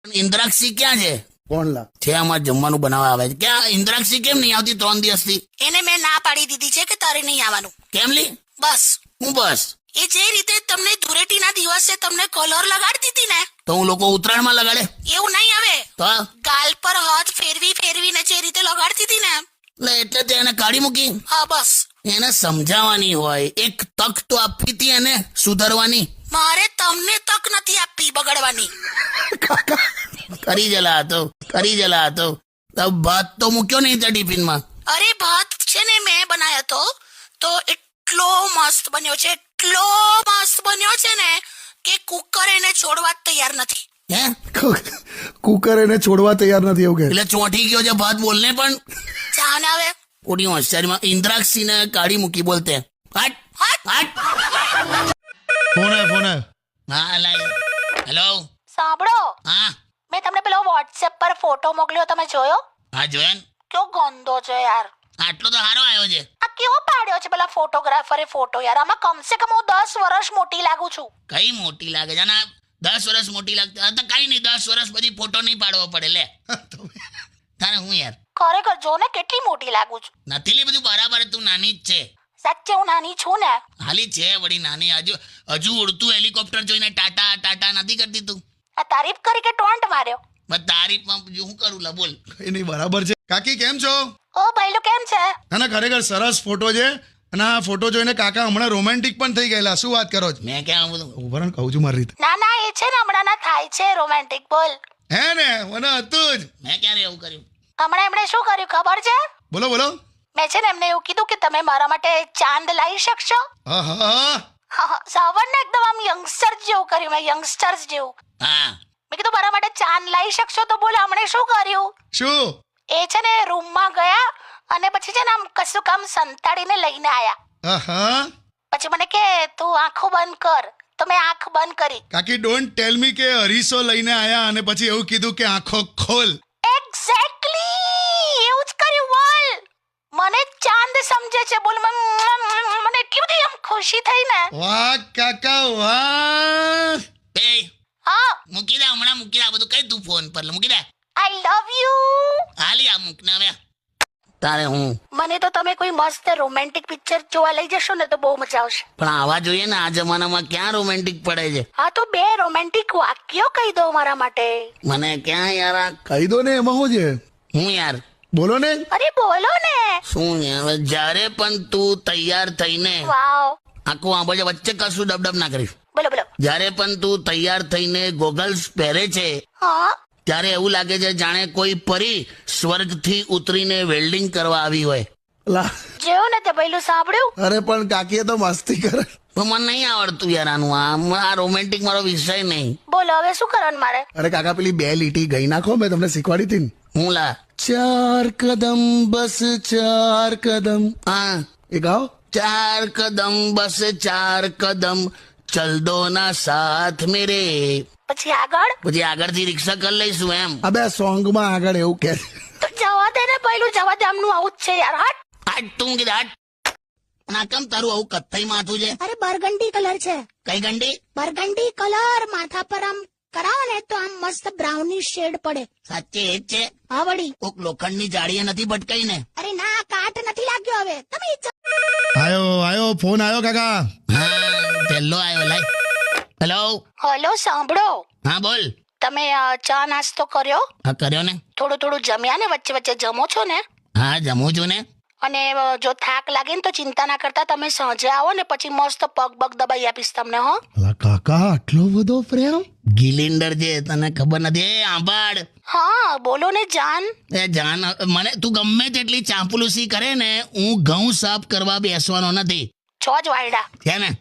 ઇન્દ્રાક્ષી ક્યાં છે? કોણ લા? છે આમાં જમવાનું બનાવવા આવે છે. ક્યાં ઇન્દ્રાક્ષી કેમ નહીં આવતી 3 દિવસથી? એને મેં ના પાડી દીધી છે કે તારે નહીં આવવાનું. કેમ લી? બસ હું બસ એ જે રીતે તમને ધૂળેટીના દિવસે તમને કલર લગાડતી હતી ને, તો હું લોકો ઉત્તરાયણમાં લગાડે એવું નહીં આવે. તો ગાલ પર હાથ ફેરવીને જે રીતે લગાડતી હતી ને, એટલે તે એને કાઢી મૂકી. હા બસ. એને સમજાવવાની હોય, એક તક તો આપી હતી એને સુધારવાની. મારે તમને તક નથી આપી બગડવાની. કરી જલા હતો ભાત તો મૂક્યો નહીં ત્યાં ટિફિનમાં. અરે ભાત છે ને મેં બનાવ્યો તો એટલો મસ્ત બન્યો છે ને કે કુકર એને છોડવા જ તૈયાર નથી. હે કુકર એને છોડવા તૈયાર નથી એવું કે? એટલે ચોંટી ગયો છે ભાત બોલને પણ. જાન આવે ઓડી હોશિયારીમાં ઇન્દ્રાક્ષી ને કાઢી મૂકી બોલતે. હટ ફોન હા લાય. હેલો. સાંભળો, હા મેં તમને પેલો વોટ્સએપ પર ફોટો મોકલ્યો, તમે જોયો? હા જોયા ને. કેવો ગંદો છે યાર. આટલો તો સારો આવ્યો છે. આ કેવો પાડ્યો છે પેલા ફોટોગ્રાફરે ફોટો યાર. આમાં કમસે કમ હું 10 વર્ષ મોટી લાગુ છું. કઈ મોટી લાગે છે? ના 10 વર્ષ મોટી લાગતી. હા તો કઈ નહીં, 10 વર્ષ પછી ફોટો નહીં પાડવો પડે. લે તારે હું યાર ખરેખર જો ને કેટલી મોટી લાગુ છું. નથી લી બધું બરાબર. તું નાની જ છે. સાચે હું નાની છું ને. હાલી છે વળી નાની. હજુ ઉડતું હેલિકોપ્ટર જોઈને ટાટા ટાટા નથી કરતી તું? આ તારીફ કરી કે ટોન્ટ માર્યો? બસ તારીફમાં હું કરું લા બોલ. કઈ નહીં, બરાબર છે. કાકી કેમ છો? ઓ ભાઈલું કેમ છે? ના ખરેખર સરસ ફોટો છે. અને આ ફોટો જોઈને કાકા હમણાં રોમેન્ટિક પણ થઈ ગયેલા. શું વાત કરો છો? મેં ક્યાં બધું ઉભા રહો ને, કહું છું મારી રીતે. ના એ છે ને હમણાં ના થાય છે રોમેન્ટિક. બોલ. હે ને, મને હતું જ. મેં ક્યારે એવું કર્યું? હમણાં એમણે શું કર્યું ખબર છે? બોલો મેં છે ને એમને એવું કીધું કે તમે મારા માટે ચાંદ લાવી શકશો. હા સાવન ને એકદમ આમ યંગસ્ટર જેવું કર્યું મેં, યંગસ્ટર્સ જેવું. હા મેં કીધું મારા માટે ચાંદ લાવી શકશો, તો બોલે હમણે શું કર્યું? શું? એ છે ને રૂમમાં ગયા અને પછી છે ને આમ કશું કામ સંતાડીને લઈને આયા. હા પછી મને કે તું આંખો બંધ કર, તો મેં આંખ બંધ કરી. કાકી ડોન્ટ ટેલ મી કે અરીસો લઈને આયા અને પછી એવું કીધું કે આંખો ખોલ. એક્ઝેક્ટલી એવું જ કર્યું. બોલ, મને ચાંદ સમજે છે. બોલ, મને એટલી બધી આમ ખુશી થઈ ને. વાહ કાકા વાહ. એ હા, મૂકી દે હમણાં, મૂકી દે આ બધું. કઈ તું ફોન પર મૂકી દે. આઈ લવ યુ. હાલી આ મૂક ને હવે. તારે હું મને તો તમે કોઈ મસ્ત રોમેન્ટિક પિક્ચર જોવા લઈ જશો ને તો બહુ મજા આવશે. પણ આવા જોઈએ ને. આ જમાનામાં ક્યાં રોમેન્ટિક પડે છે? હા તો 2 રોમેન્ટિક વાક્યો કહી દો મારા માટે. મને ક્યાં યાર આ કહી દો ને, એમાં શું છે? હું યાર બોલો ને. અરે બોલો ને. શું યાર, જ્યારે પણ તું તૈયાર થઈને વાવ. આખું આ બાજુ વચ્ચે કશું ડબડબ ના કરીશ. બોલો. જ્યારે પણ તું તૈયાર થઈને ગોગલ્સ પહેરે છે હા, ત્યારે એવું લાગે છે જાણે કોઈ પરી સ્વર્ગથી ઉતરીને વેલ્ડિંગ કરવા આવી હોય. લા, જેવું ને તે પહેલું સાંભળ્યું. અરે પણ કાકીએ તો મસ્તી કરે. પણ મને નહીં આવડતું યાર આનું. આ રોમેન્ટિક મારો વિષય નહીં. બોલો હવે શું કરવાનું મારે? અરે કાકા પેલી 2 લીટી ગઈ નાખો, મેં તમને શીખવાડી હતી ને. હું લા 4 કદમ બસ 4 કદમ. હા એ ગાઓ. 4 કદમ બસ 4 કદમ ચલ દો ના સાથ મેરે. પછી આગળ? પછી આગળથી રિક્ષા કરી લઈશું એમ. આ 2 સોંગમાં આગળ એવું કે. તો જવા દે ને, પહેલું જવા દે. આમનું આવું જ છે યાર. હટ. આજ તું કીધા આજ. ના કેમ તારું આવું કથ્થઈ માથું છે? અરે બરગંડી કલર છે. કઈ ગંડી? બરગંડી કલર માથા પર આમ કરાવો ને તો આમ મસ્ત બ્રાઉની શેડ પડે. સાચે એ જ છે? હા વળી. કોક લોખંડની જાળીએ નથી ભટકાઈ ને? અરે ના, કાટ નથી લાગ્યો હવે. તમે આયો ફોન આયો કાકા. હા પહેલો આવ્યો. લાય. હેલો. હલો, સાંભળો. હા બોલ. તમે ચા નાસ્તો કર્યો? હા કર્યો ને. થોડું જમ્યા ને? વચ્ચે જમો છો ને? હા જમું છું ને. અને જો થાક લાગે ને તો ચિંતા ના કરતા, તમે સાંજે આવો ને પછી મસ્ત પગ દબાઈ આપીશ તમને. હો અલા કાકા, આટલો બધો પ્રેમ. ગિલિન્ડર છે, તને ખબર નથી? એ આંબાડ. હા બોલો ને જાન. એ જાન, મને તું ગમે તેટલી ચાંપલુસી કરે ને, હું ઘઉં સાફ કરવા બેસવાનો નથી. છો જ વાયડા છે ને.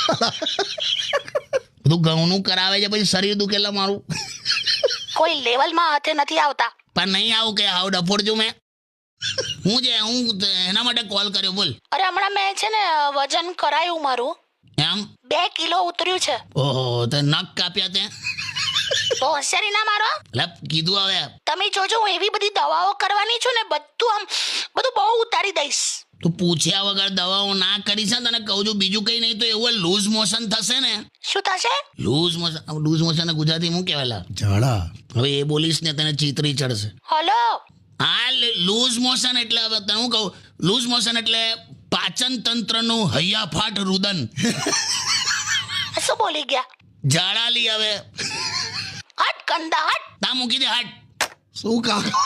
તું ઘઉંનું કરાવે છે પછી શરીર દુખેલા મારું. કોઈ લેવલમાં હાથે નથી આવતા. પણ નહીં આવું કે આવું ડફોડ છું મેં. હું એના માટે કોલ કર્યો. બોલ. અરે હમણાં મેં છે ને વજન કરાયું મારું. એમ? 2 કિલો ઉતર્યું છે. ઓહો, તે નખ કાપ્યા તે? તો હોશિયારી ના મારો. એટલે કીધું હવે. તમે જોજો, હું એવી બધી દવાઓ કરવાની છું ને, બધું બહુ ઉતારી દઈશ. તું પૂછ્યા વગર દવાઓ ના કરીશ ને, તને કહું છું. બીજું કઈ નહીં તો એવું લૂઝ મોશન થશે ને. શું થશે? લૂઝ મોશન ગુજરાતી હું કહેવાય? ઝાડા. હવે એ બોલીશ ને તને ચીતરી ચડશે. હલો આ લૂઝ મોશન એટલે હવે તને હું કહું, લૂઝ મોશન એટલે પાચન તંત્રનું હૈયાફાટ રુદન. શું બોલી ગયા? ઝાડા લી હવે. હટ ગંદા હટ. તા મૂકી દે હાટ. શું કાકા?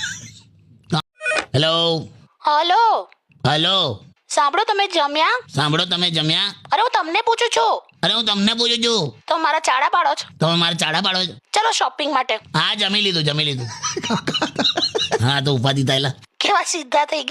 હેલો હલો હેલો, સાંભળો, તમે જમ્યા? સાંભળો તમે જમ્યા? અરે હું તમને પૂછું છું. અરે હું તમને પૂછું છું. તો મારા ચાડા પાડો છો? તમે મારે ચાડા પાડો છો? ચલો શોપિંગ માટે. હા જમી લીધું જમી લીધું. હા તો ઉપાધિ થાય. કેવા સીધા થઈ ગયા.